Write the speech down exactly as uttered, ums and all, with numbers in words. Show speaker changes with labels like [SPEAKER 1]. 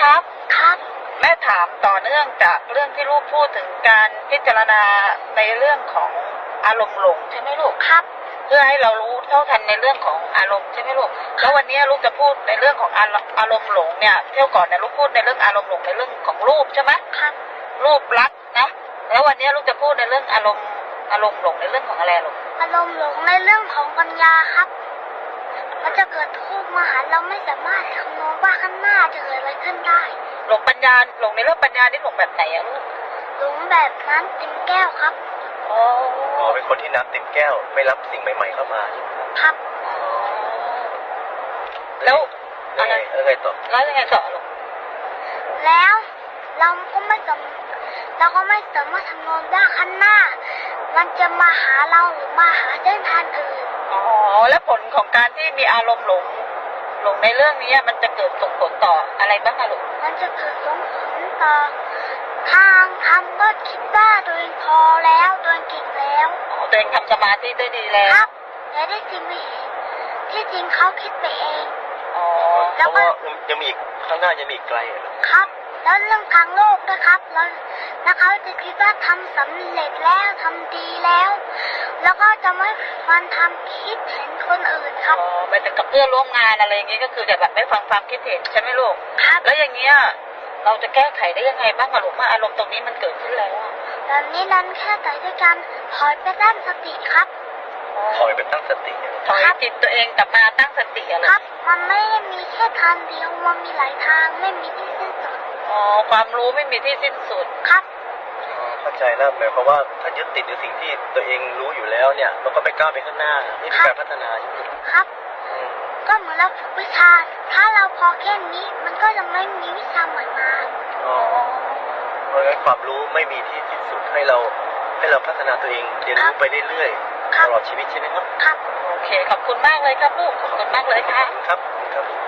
[SPEAKER 1] ครับ
[SPEAKER 2] ครับ
[SPEAKER 1] แม่ถามต่อเนื่องจากเรื่องที่ลูกพูดถึงการพิจารณาในเรื่องของอารมณ์หลงใช่ไหมลูก
[SPEAKER 2] ครับ
[SPEAKER 1] เพื่อให้เรารู้เท่าทันในเรื่องของอารมณ์ใช่ไหมลูกแล้ววันนี้ลูกจะพูดในเรื่องของอารอารมณ์หลงเนี่ยเที่ยวก่อนเนี่ยลูกพูดในเรื่องอารมณ์หลงในเรื่องของรูปใช่ไหม
[SPEAKER 2] ครับ
[SPEAKER 1] รูปลักษณ์นะแล้ววันนี้ลูกจะพูดในเรื่องอารมณ์อารมณ์หลงในเรื่องของอะไรลูก
[SPEAKER 2] อารมณ์หลงในเรื่องของปัญญาครับมันจะเกิดทุกข์มหาเราไม่สามารถคำนวณว่าข้างหน้าจะเกิดอะไรขึ้นได้
[SPEAKER 1] หลงปัญญาหลงในเรื่องปัญญานี่หลงแบบไหนอะลูก
[SPEAKER 2] หลงแบบนั้นเต็มแก้วครับ
[SPEAKER 1] อ๋อ
[SPEAKER 3] อ๋อเป็นคนที่น้ำเต็มแก้วไม่รับสิ่งใหม่ๆเข้ามาใช่ไหมครับ
[SPEAKER 2] ครับ
[SPEAKER 1] แล้ว
[SPEAKER 3] แล้
[SPEAKER 1] อะ
[SPEAKER 3] ว
[SPEAKER 1] ไร
[SPEAKER 3] ไงแล้วไงต่อ
[SPEAKER 1] แล้วยังไงต่อลูก
[SPEAKER 2] แล้วเราก็ไม่สามเราก็ไม่สามารถคำนวณว่าข้างหน้า มันจะมาหาเราหรือมาหาเส้นทางอื่น
[SPEAKER 1] อ๋อแล้วผลของการที่มีอารมณ์หลงหลงในเรื่องนี้มันจะเกิดส่งผลต่ออะไรบ้างอะลูก
[SPEAKER 2] มันจะเกิดส่งผลต่อทางทำก็คิดว่าตัวเองพอแล้วตัวเองเก่งแล้ว
[SPEAKER 1] อ๋อตัวเองทำสมาธิได้ดีแล้
[SPEAKER 2] คว รับแต่ได้จริงไม่เห็นที่จริงเขาคิดไปเอง
[SPEAKER 1] อ๋อ
[SPEAKER 3] เพราะว่ายังมีอีกข้างหน้ายังมีอีกไกลอะ
[SPEAKER 2] ครับ แล้วเรื่องทางโลกนะครับแล้วแล้วเขาจะคิดว่าทำสำเร็จแล้วทำดีแล้ว แล้วก็จะไม่ฟันทำคิดเห็นคนอื่นค
[SPEAKER 1] อ๋
[SPEAKER 2] รั
[SPEAKER 1] อบ หมายถึงกับเพื่อนร่วมงานอะไรอย่างงี้ก็คือจะแบบไม่ฟังความคิดเห็นใช่ไหมลูก
[SPEAKER 2] ครับ
[SPEAKER 1] แล้วอย่างเงี้ยเราจะแก้ไขได้ยังไงบ้างอะลูกเมื่ออารมณ์ตรงนี้มันเกิดขึ้นแล้วอะ
[SPEAKER 2] แบบนี้นั้นแค่แต่ด้วยการถอยไปด้านสติครับ
[SPEAKER 3] ถอยไปตั้งสติอะ
[SPEAKER 1] ถอยจิตตัวเองกลับมาตั้งสติอะ
[SPEAKER 2] ค
[SPEAKER 1] ลู
[SPEAKER 2] รั
[SPEAKER 1] ก
[SPEAKER 2] บ มันไม่ได้มีแค่ทางเดียวมันมีหลายทางไม่มีที่สิ้นสุด
[SPEAKER 1] อ๋อความรู้ไม่มีที่สิ้นสุด
[SPEAKER 2] ครับ
[SPEAKER 3] อ๋อเข้าใจแล้วหมายความว่าถ้ายึดติดในสิ่งที่ตัวเองรู้อยู่แล้วเนี่ยมันก็ไม่ก้าวไปข้างหน้าไม่มีการพัฒนาใช่ไหม
[SPEAKER 2] ครับ
[SPEAKER 3] อืม
[SPEAKER 2] ก็เหมือนเราฝึกวิชา ถ้าเราพอแค่นี้มันก็จะไม่มีวิชาใหม่มา
[SPEAKER 3] อ๋อเพราะงั้นความรู้ไม่มีที่สิ้นสุดให้เราให้เราพัฒนาตัวเองเรียนรู้ไปเรื่อย
[SPEAKER 2] ครั
[SPEAKER 3] ๆ
[SPEAKER 2] บ
[SPEAKER 3] ตลอดชีวิตใช่ไหมครับ
[SPEAKER 2] ครับ
[SPEAKER 1] โอเคขอบคุณมากเลยครับลูกขอบคุณมากเลยค่ะ
[SPEAKER 3] ครับครับ